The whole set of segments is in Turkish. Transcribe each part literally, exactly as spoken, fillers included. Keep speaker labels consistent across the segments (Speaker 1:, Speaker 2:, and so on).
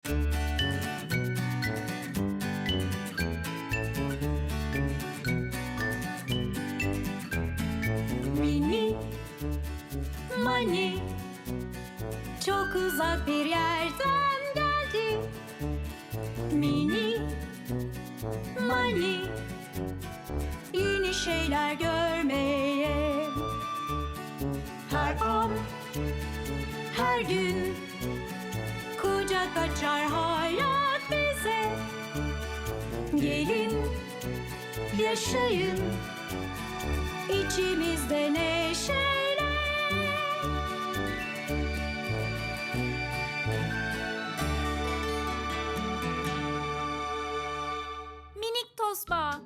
Speaker 1: Mini Mani çok uzak bir yerden geldi. Mini Mani yeni şeyler görmeye. Her an, her gün kucak açar hayat bize. Gelin, yaşayın içimizde neşeyle. Minik Tosba.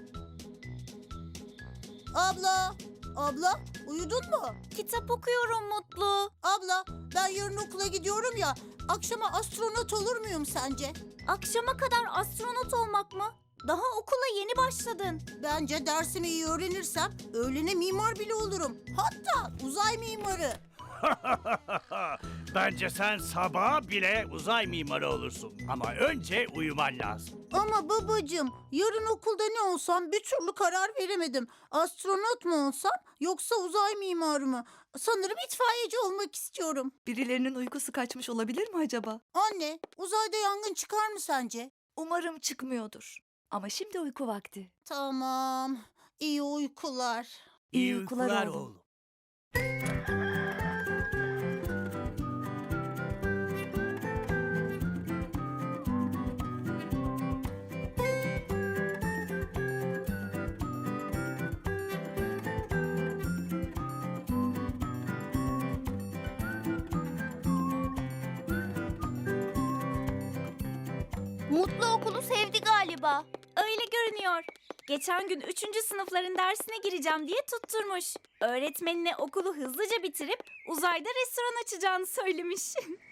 Speaker 2: Abla, abla uyudun mu?
Speaker 1: Kitap okuyorum Mutlu.
Speaker 2: Abla ben yarın okula gidiyorum ya. Akşama astronot olur muyum sence?
Speaker 1: Akşama kadar astronot olmak mı? Daha okula yeni başladın.
Speaker 2: Bence dersimi iyi öğrenirsem öğlene mimar bile olurum. Hatta uzay mimarı.
Speaker 3: Bence sen sabah bile uzay mimarı olursun. Ama önce uyuman lazım.
Speaker 2: Ama babacığım yarın okulda ne olsam bir türlü karar veremedim. Astronot mu olsam yoksa uzay mimarı mı? Sanırım itfaiyeci olmak istiyorum.
Speaker 4: Birilerinin uykusu kaçmış olabilir mi acaba?
Speaker 2: Anne, uzayda yangın çıkar mı sence?
Speaker 4: Umarım çıkmıyordur. Ama şimdi uyku vakti.
Speaker 2: Tamam, iyi uykular.
Speaker 4: İyi uykular oğlum.
Speaker 3: oğlum.
Speaker 1: Mutlu okulu sevdi galiba. Öyle görünüyor. Geçen gün üçüncü sınıfların dersine gireceğim diye tutturmuş. Öğretmenine okulu hızlıca bitirip uzayda restoran açacağını söylemiş.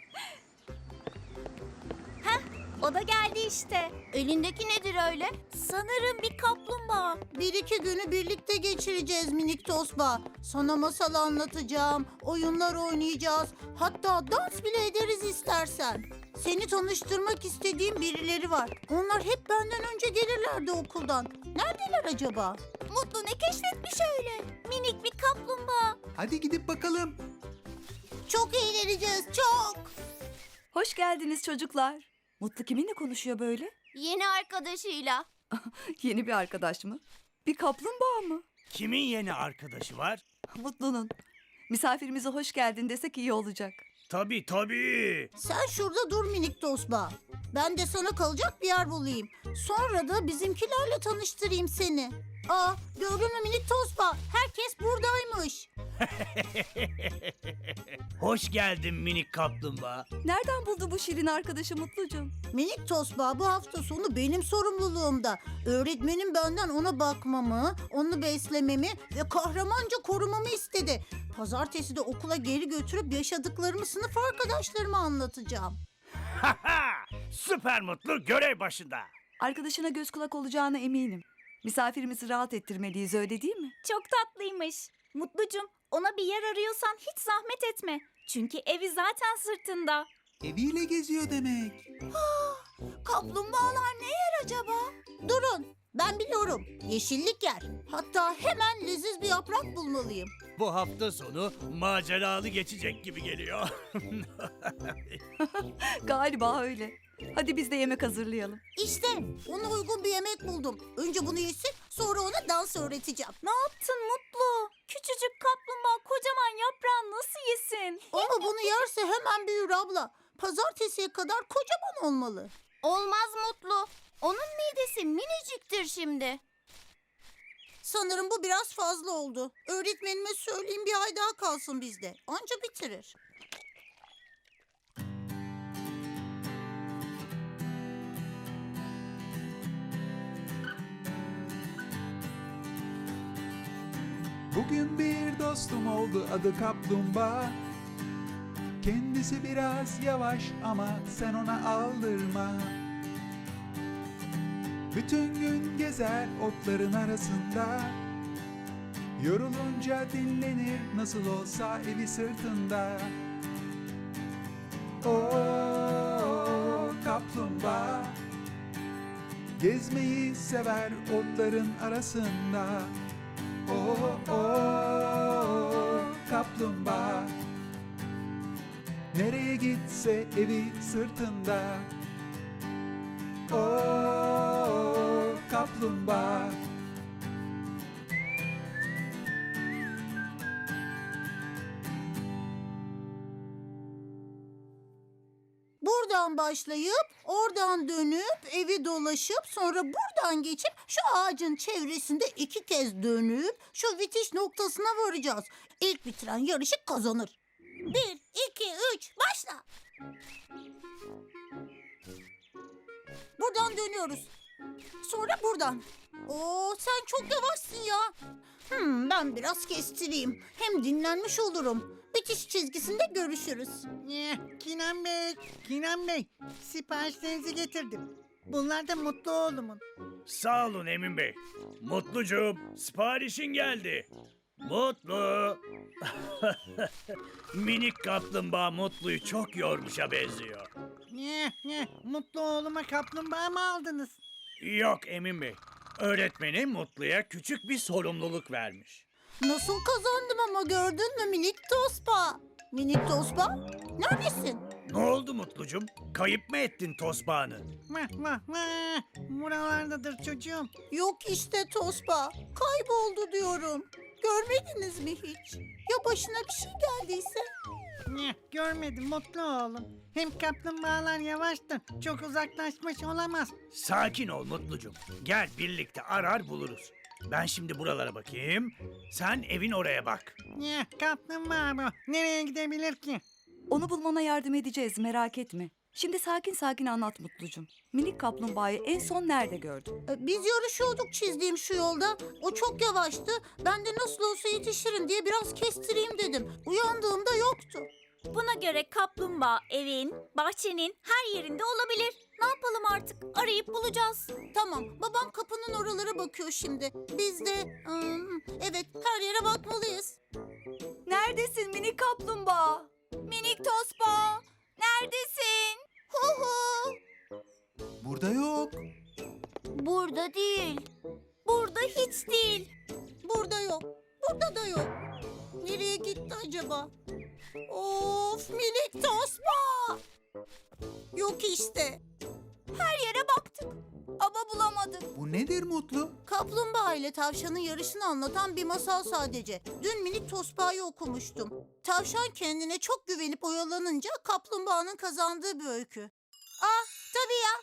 Speaker 1: Heh, o da geldi işte. Elindeki nedir öyle? Sanırım bir kaplumbağa.
Speaker 2: Bir iki günü birlikte geçireceğiz minik Tosba. Sana masal anlatacağım, oyunlar oynayacağız. Hatta dans bile ederiz istersen. Seni tanıştırmak istediğim birileri var. Onlar hep benden önce gelirlerdi okuldan. Neredeler acaba?
Speaker 1: Mutlu ne keşfetmiş öyle? Minik bir kaplumbağa.
Speaker 5: Hadi gidip bakalım.
Speaker 2: Çok eğleneceğiz, çok.
Speaker 4: Hoş geldiniz çocuklar. Mutlu kiminle konuşuyor böyle?
Speaker 1: Yeni arkadaşıyla.
Speaker 4: Yeni bir arkadaş mı? Bir kaplumbağa mı?
Speaker 3: Kimin yeni arkadaşı var?
Speaker 4: Mutlu'nun. Misafirimize hoş geldin desek iyi olacak.
Speaker 3: Tabii tabii.
Speaker 2: Sen şurada dur minik Tosba. Ben de sana kalacak bir yer bulayım. Sonra da bizimkilerle tanıştırayım seni. Aa, gördün mü minik Tosba? Herkes buradaymış.
Speaker 3: Hoş geldin minik kaplumbağa.
Speaker 4: Nereden buldu bu şirin arkadaşı Mutlucuğum?
Speaker 2: Minik Tosba bu hafta sonu benim sorumluluğumda. Öğretmenim benden ona bakmamı, onu beslememi ve kahramanca korumamı istedi. Pazartesi de okula geri götürüp yaşadıklarımı sınıf arkadaşlarıma anlatacağım.
Speaker 3: Süper Mutlu görev başında.
Speaker 4: Arkadaşına göz kulak olacağına eminim. Misafirimizi rahat ettirmeliyiz, öyle değil mi?
Speaker 1: Çok tatlıymış. Mutlucum, ona bir yer arıyorsan hiç zahmet etme. Çünkü evi zaten sırtında.
Speaker 5: Eviyle geziyor demek.
Speaker 2: Kaplumbağalar ne yer acaba? Durun, ben biliyorum. Yeşillik yer. Hatta hemen leziz bir yaprak bulmalıyım.
Speaker 3: Bu hafta sonu maceralı geçecek gibi geliyor.
Speaker 4: Galiba öyle. Hadi biz de yemek hazırlayalım.
Speaker 2: İşte ona uygun bir yemek buldum. Önce bunu yesin, sonra ona dans öğreteceğim.
Speaker 1: Ne yaptın Mutlu? Küçücük kaplumbağa kocaman yaprağı nasıl yesin?
Speaker 2: Ama bunu yerse hemen büyür abla. Pazartesiye kadar kocaman olmalı.
Speaker 1: Olmaz Mutlu. Onun midesi miniciktir şimdi.
Speaker 2: Sanırım bu biraz fazla oldu. Öğretmenime söyleyeyim bir ay daha kalsın bizde. Anca bitirir.
Speaker 5: Bugün bir dostum oldu, adı Kaplumbağa. Kendisi biraz yavaş ama sen ona aldırma. Bütün gün gezer otların arasında. Yorulunca dinlenir, nasıl olsa evi sırtında. Oo, Gezmeyi sever otların arasında. O o kaplumbağa. Nereye gitse evi sırtında. O kaplumbağa.
Speaker 2: Buradan başlayıp, oradan dönüp, evi dolaşıp, sonra buradan geçip şu ağacın çevresinde iki kez dönüp şu bitiş noktasına varacağız. İlk bitiren yarışı kazanır. Bir, iki, üç, başla. Buradan dönüyoruz. Sonra buradan. Oo, sen çok yavaşsın ya. Hmm, ben biraz kestireyim. Hem dinlenmiş olurum. Bitiş çizgisinde görüşürüz.
Speaker 6: Eh, Kinan Bey, Kinan Bey, siparişlerinizi getirdim. Bunlar da mutlu oğlumun.
Speaker 3: Sağ olun Emin Bey. Mutlucuğum, siparişin geldi. Mutlu. Minik kaplumbağa Mutlu'yu çok yormuşa benziyor.
Speaker 6: Eh, eh, mutlu oğluma kaplumbağa mı aldınız?
Speaker 3: Yok Emin Bey. Öğretmenim Mutlu'ya küçük bir sorumluluk vermiş.
Speaker 2: Nasıl kazandım ama gördün mü minik tospa? Minik tospa, neredesin?
Speaker 3: Ne oldu Mutlucuğum? Kayıp mı ettin tosbağını?
Speaker 6: Vah vah vah, buralardadır çocuğum.
Speaker 2: Yok işte tospa, kayboldu diyorum. Görmediniz mi hiç? Ya başına bir şey geldiyse?
Speaker 6: Eh, görmedim mutlu oğlum. Hem kaplumbağalar yavaştır, çok uzaklaşmış olamaz.
Speaker 3: Sakin ol Mutlucuğum. Gel birlikte arar buluruz. Ben şimdi buralara bakayım. Sen evin oraya bak.
Speaker 6: Eh, kaplumbağa bu, nereye gidebilir ki?
Speaker 4: Onu bulmana yardım edeceğiz, merak etme. Şimdi sakin sakin anlat Mutlucum. Minik kaplumbağayı en son nerede gördün?
Speaker 2: E, Biz yarışıyorduk çizdiğim şu yolda. O çok yavaştı. Ben de nasıl olsa yetişirim diye biraz kestireyim dedim. Uyandığımda yoktu.
Speaker 1: Buna göre kaplumbağa evin, bahçenin her yerinde olabilir. Ne yapalım artık? Arayıp bulacağız.
Speaker 2: Tamam, babam kapının oralara bakıyor şimdi. Biz de, ım, evet her yere bakmalıyız.
Speaker 4: Neredesin minik kaplumbağa?
Speaker 1: Minik tospa, neredesin?
Speaker 2: Hu hu.
Speaker 5: Burada yok.
Speaker 1: Burada değil. Burada hiç değil.
Speaker 2: Burada yok, burada da yok. Nereye gitti acaba? Of, minik tosba! Yok işte.
Speaker 1: Her yere baktık ama bulamadık.
Speaker 5: Bu nedir Mutlu?
Speaker 2: Kaplumbağa ile tavşanın yarışını anlatan bir masal sadece. Dün minik tospayı okumuştum. Tavşan kendine çok güvenip oyalanınca kaplumbağanın kazandığı bir öykü. Ah, tabii ya.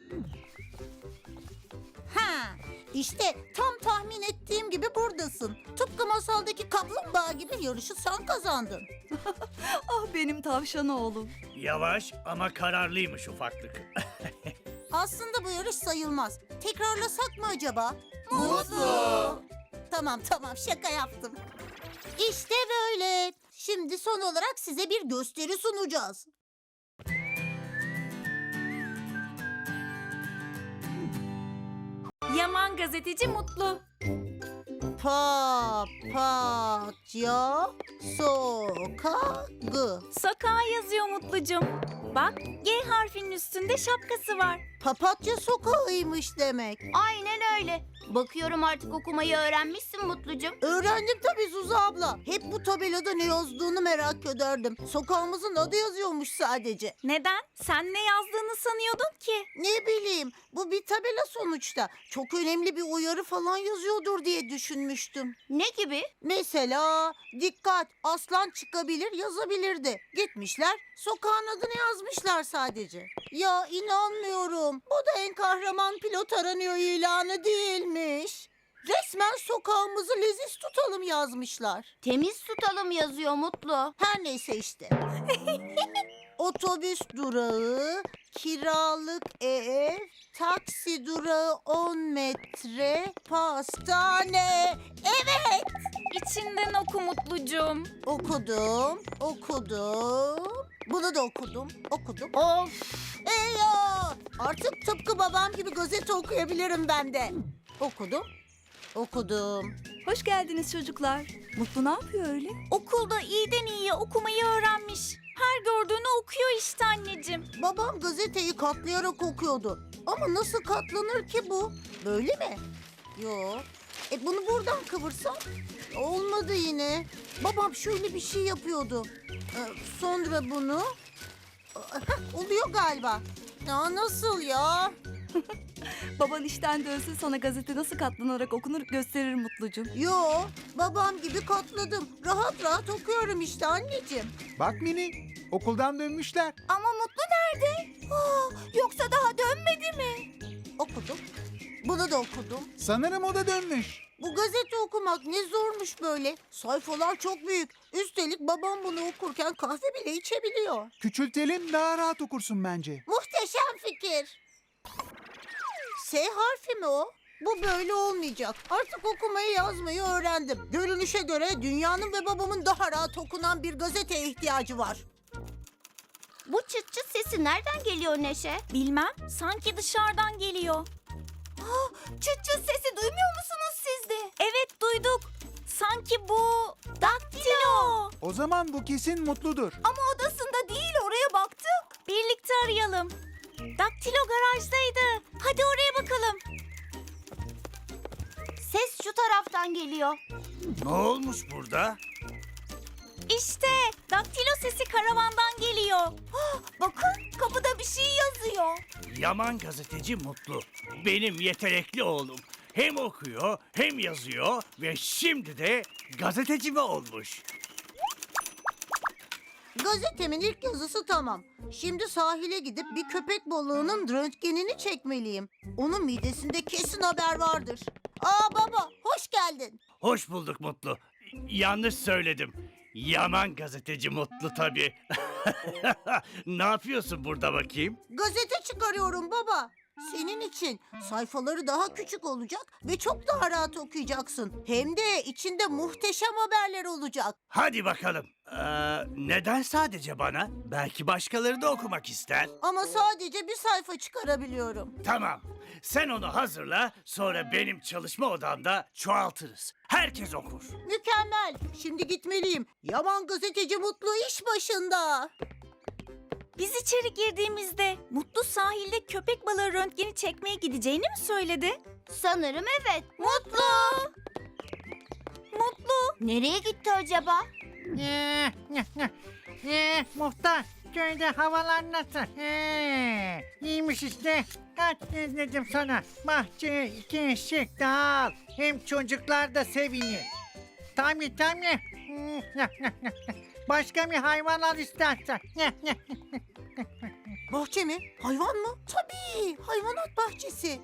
Speaker 2: Ha, işte tam tahmin ettiğim gibi buradasın. Tıpkı masaldaki kaplumbağa gibi yarışı sen kazandın.
Speaker 4: Ah benim tavşan oğlum.
Speaker 3: Yavaş ama kararlıymış ufaklık.
Speaker 2: Aslında bu yarış sayılmaz. Tekrarlasak mı acaba?
Speaker 3: Mutlu.
Speaker 2: Tamam tamam şaka yaptım. İşte böyle. Şimdi son olarak size bir gösteri sunacağız.
Speaker 1: Yaman gazeteci Mutlu.
Speaker 2: Papatya sokağı.
Speaker 1: Sokağa yazıyor Mutlucum. Bak G harfinin üstünde şapkası var.
Speaker 2: Papatya sokağıymış demek.
Speaker 1: Aynen öyle. Bakıyorum artık okumayı öğrenmişsin Mutlucum.
Speaker 2: Öğrendim tabii Zuzu abla. Hep bu tabelada ne yazdığını merak ederdim. Sokağımızın adı yazıyormuş sadece.
Speaker 1: Neden? Sen ne yazdığını sanıyordun ki?
Speaker 2: Ne bileyim, bu bir tabela sonuçta. Çok önemli bir uyarı falan yazıyordur diye düşünmüştüm.
Speaker 1: Ne gibi?
Speaker 2: Mesela dikkat aslan çıkabilir yazabilirdi. Gitmişler sokağın adını yazmışlar sadece. Ya inanmıyorum. Bu da en kahraman pilot aranıyor ilanı değilmiş. Resmen sokağımızı leziz tutalım yazmışlar.
Speaker 1: Temiz tutalım yazıyor Mutlu.
Speaker 2: Her neyse işte. Otobüs durağı, kiralık ev, taksi durağı on metre, pastane. Evet,
Speaker 1: İçinden oku Mutlucum.
Speaker 2: okudum, okudum. Bunu da okudum, okudum. Of, eyvah! Artık tıpkı babam gibi gazete okuyabilirim ben de. Okudum, okudum.
Speaker 4: Hoş geldiniz çocuklar. Mutlu ne yapıyor öyle?
Speaker 1: Okulda iyiden iyiye okumayı öğrenmiş. Her gördüğünü okuyor işte anneciğim.
Speaker 2: Babam gazeteyi katlayarak okuyordu. Ama nasıl katlanır ki bu? Böyle mi? Yo. E bunu buradan kıvırsam? Olmadı yine. Babam şöyle bir şey yapıyordu. Ee, sonra bunu... Heh, oluyor galiba. Ya nasıl ya?
Speaker 4: Baban işten dönsün, sana gazete nasıl katlanarak okunur gösterir Mutlucuğum.
Speaker 2: Yo, babam gibi katladım. Rahat rahat okuyorum işte anneciğim.
Speaker 5: Bak Mini, okuldan dönmüşler.
Speaker 2: Ama Mutlu nerede? Aa, yoksa daha dönmedi mi? Okudum. Bunu da okudum.
Speaker 5: Sanırım o da dönmüş.
Speaker 2: Bu gazete okumak ne zormuş böyle. Sayfalar çok büyük. Üstelik babam bunu okurken kahve bile içebiliyor.
Speaker 5: Küçültelim, daha rahat okursun bence.
Speaker 2: Muhteşem fikir. S harfi mi o? Bu böyle olmayacak. Artık okumayı yazmayı öğrendim. Görünüşe göre dünyanın ve babamın daha rahat okunan bir gazeteye ihtiyacı var.
Speaker 1: Bu çıt çıt sesi nereden geliyor Neşe? Bilmem. Sanki dışarıdan geliyor. Çıt çıt sesi duymuyor musunuz siz de? Evet duyduk. Sanki bu daktilo.
Speaker 5: O zaman bu kesin Mutludur.
Speaker 1: Ama odasında değil, oraya baktık. Birlikte arayalım. Daktilo garajdaydı. Hadi oraya bakalım. Ses şu taraftan geliyor.
Speaker 3: Ne olmuş burada?
Speaker 1: İşte daktilo sesi karavandan geliyor. Bakın kapıda bir şey yazıyor.
Speaker 3: Yaman gazeteci Mutlu. Benim yetenekli oğlum. Hem okuyor hem yazıyor ve şimdi de gazeteci mi olmuş?
Speaker 2: Gazetemin ilk yazısı tamam. Şimdi sahile gidip bir köpek balığının röntgenini çekmeliyim. Onun midesinde kesin haber vardır. Aa baba, hoş geldin.
Speaker 3: Hoş bulduk Mutlu. Yanlış söyledim. Yaman gazeteci Mutlu tabii. Ne yapıyorsun burada bakayım?
Speaker 2: Gazete çıkarıyorum baba. Senin için sayfaları daha küçük olacak ve çok daha rahat okuyacaksın. Hem de içinde muhteşem haberler olacak.
Speaker 3: Hadi bakalım. Ee, neden sadece bana? Belki başkaları da okumak ister.
Speaker 2: Ama sadece bir sayfa çıkarabiliyorum.
Speaker 3: Tamam. Sen onu hazırla, sonra benim çalışma odamda çoğaltırız. Herkes okur.
Speaker 2: Mükemmel. Şimdi gitmeliyim. Yaman gazeteci Mutlu iş başında.
Speaker 1: Biz içeri girdiğimizde Mutlu sahilde köpek balığı röntgeni çekmeye gideceğini mi söyledi? Sanırım evet. Mutlu! Mutlu! Nereye gitti acaba?
Speaker 6: Ee, ee, muhtar, köyde havalar nasıl? Ee, iyiymiş işte. Kaç kez dedim sana. Bahçeye iki eşek daha al. Hem çocuklar da sevinir. Tabii tabii. Başka bir hayvan al istersen.
Speaker 2: Bahçe mi? Hayvan mı? Tabii. Hayvanat bahçesi.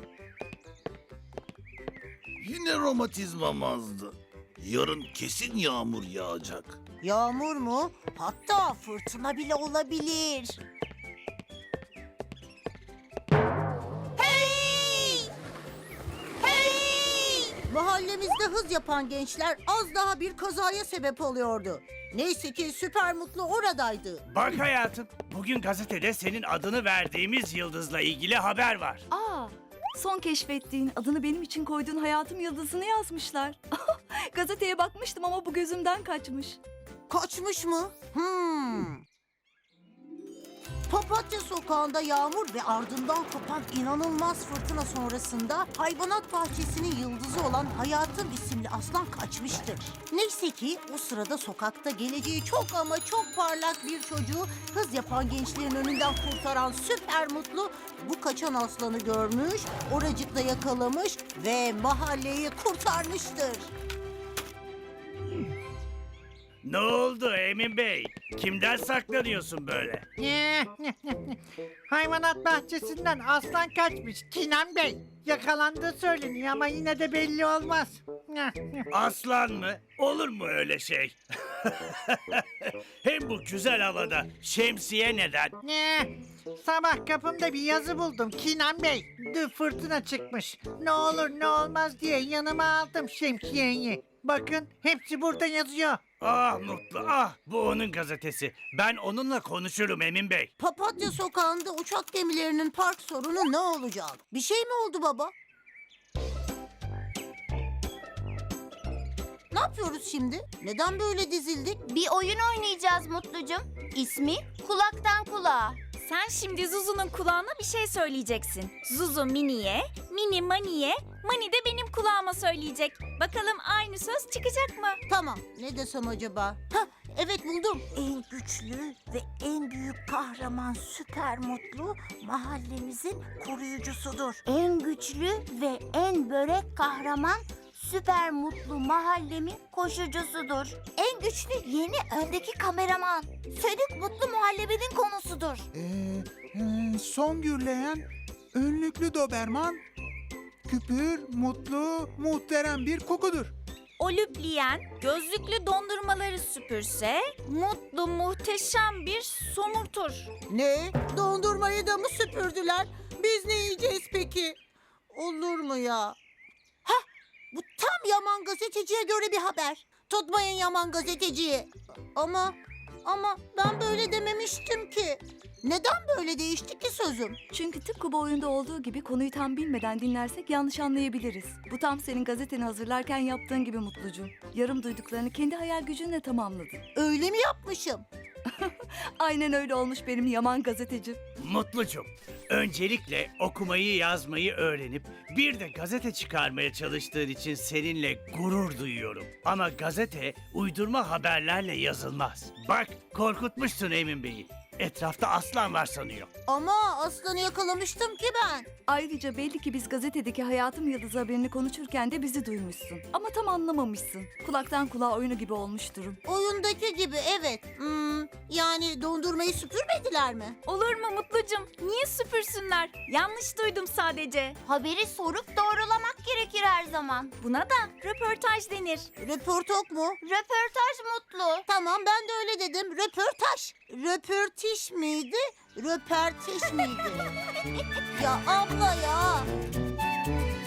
Speaker 7: Yine romatizmam azdı. Yarın kesin yağmur yağacak.
Speaker 2: Yağmur mu? Hatta fırtına bile olabilir. Hey! Hey! Mahallemizde hız yapan gençler az daha bir kazaya sebep oluyordu. Neyse ki Süper Mutlu oradaydı.
Speaker 3: Bak hayatım, bugün gazetede senin adını verdiğimiz yıldızla ilgili haber var.
Speaker 4: Aa, son keşfettiğin, adını benim için koyduğun hayatım yıldızını yazmışlar. Gazeteye bakmıştım ama bu gözümden kaçmış.
Speaker 2: Kaçmış mı? Hmm. Papatya sokağında yağmur ve ardından kopan inanılmaz fırtına sonrasında hayvanat bahçesinin yıldızı olan Hayatım isimli aslan kaçmıştır. Neyse ki o sırada sokakta geleceği çok ama çok parlak bir çocuğu hız yapan gençlerin önünden kurtaran Süper Mutlu bu kaçan aslanı görmüş, oracıkta yakalamış ve mahalleyi kurtarmıştır.
Speaker 3: Ne oldu Emin Bey? Kimden saklanıyorsun böyle?
Speaker 6: Ee, hayvanat bahçesinden aslan kaçmış Kinan Bey. Yakalandığı söyleniyor ama yine de belli olmaz.
Speaker 3: Aslan mı? Olur mu öyle şey? Hem bu güzel havada şemsiye neden?
Speaker 6: Ee, sabah kapımda bir yazı buldum Kinan Bey. Dün fırtına çıkmış. Ne olur ne olmaz diye yanıma aldım şemsiyeyi. Bakın hepsi burada yazıyor.
Speaker 3: Ah Mutlu, ah bu onun gazetesi. Ben onunla konuşurum Emin Bey.
Speaker 2: Papatya sokağında uçak gemilerinin park sorunu ne olacak? Bir şey mi oldu baba? Ne yapıyoruz şimdi? Neden böyle dizildik?
Speaker 1: Bir oyun oynayacağız Mutlucum. İsmi Kulaktan Kulağa. Sen şimdi Zuzu'nun kulağına bir şey söyleyeceksin. Zuzu Mini'ye, Mini Mani'ye, Mani de benim kulağıma söyleyecek. Bakalım aynı söz çıkacak mı?
Speaker 2: Tamam, ne desem acaba? Hah, evet buldum. En güçlü ve en büyük kahraman Süper Mutlu mahallemizin koruyucusudur. En güçlü ve en börek kahraman Süper Mutlu mahallemin koşucusudur. En güçlü yeni öndeki kameraman Sönük Mutlu muhallebinin konusudur.
Speaker 5: Ee, e, son gürleyen önlüklü Doberman küpür, mutlu, muhterem bir kokudur.
Speaker 1: O lüpleyen gözlüklü dondurmaları süpürse mutlu muhteşem bir somurtur.
Speaker 2: Ne? Dondurmayı da mı süpürdüler? Biz ne yiyeceğiz peki? Olur mu ya? Hah! Bu tam Yaman Gazeteci'ye göre bir haber. Tutmayın Yaman Gazeteci'yi. Ama, ama ben böyle dememiştim ki. Neden böyle değişti ki sözüm?
Speaker 4: Çünkü tıpkı bu oyunda olduğu gibi konuyu tam bilmeden dinlersek yanlış anlayabiliriz. Bu tam senin gazeteni hazırlarken yaptığın gibi Mutlucuğum. Yarım duyduklarını kendi hayal gücünle tamamladın.
Speaker 2: Öyle mi yapmışım?
Speaker 4: Aynen öyle olmuş benim yaman gazetecim.
Speaker 3: Mutlucum, öncelikle okumayı yazmayı öğrenip bir de gazete çıkarmaya çalıştığın için seninle gurur duyuyorum. Ama gazete uydurma haberlerle yazılmaz. Bak, korkutmuşsun Emin Bey'i. Etrafta aslan var sanıyor.
Speaker 2: Ama aslanı yakalamıştım ki ben.
Speaker 4: Ayrıca belli ki biz gazetedeki Hayatım Yıldızı haberini konuşurken de bizi duymuşsun. Ama tam anlamamışsın. Kulaktan kulağa oyunu gibi olmuş durum.
Speaker 2: Oyundaki gibi evet. Hmm, yani dondurmayı süpürmediler mi?
Speaker 1: Olur mu Mutlucum? Niye süpürsünler? Yanlış duydum sadece.
Speaker 2: Haberi sorup doğrulamak gerekir her zaman.
Speaker 1: Buna da röportaj denir.
Speaker 2: Röportok mu? Röportaj Mutlu. Tamam ben de öyle dedim. Röportaj. Röportiş miydi? Röpertiş miydi? Ya abla ya.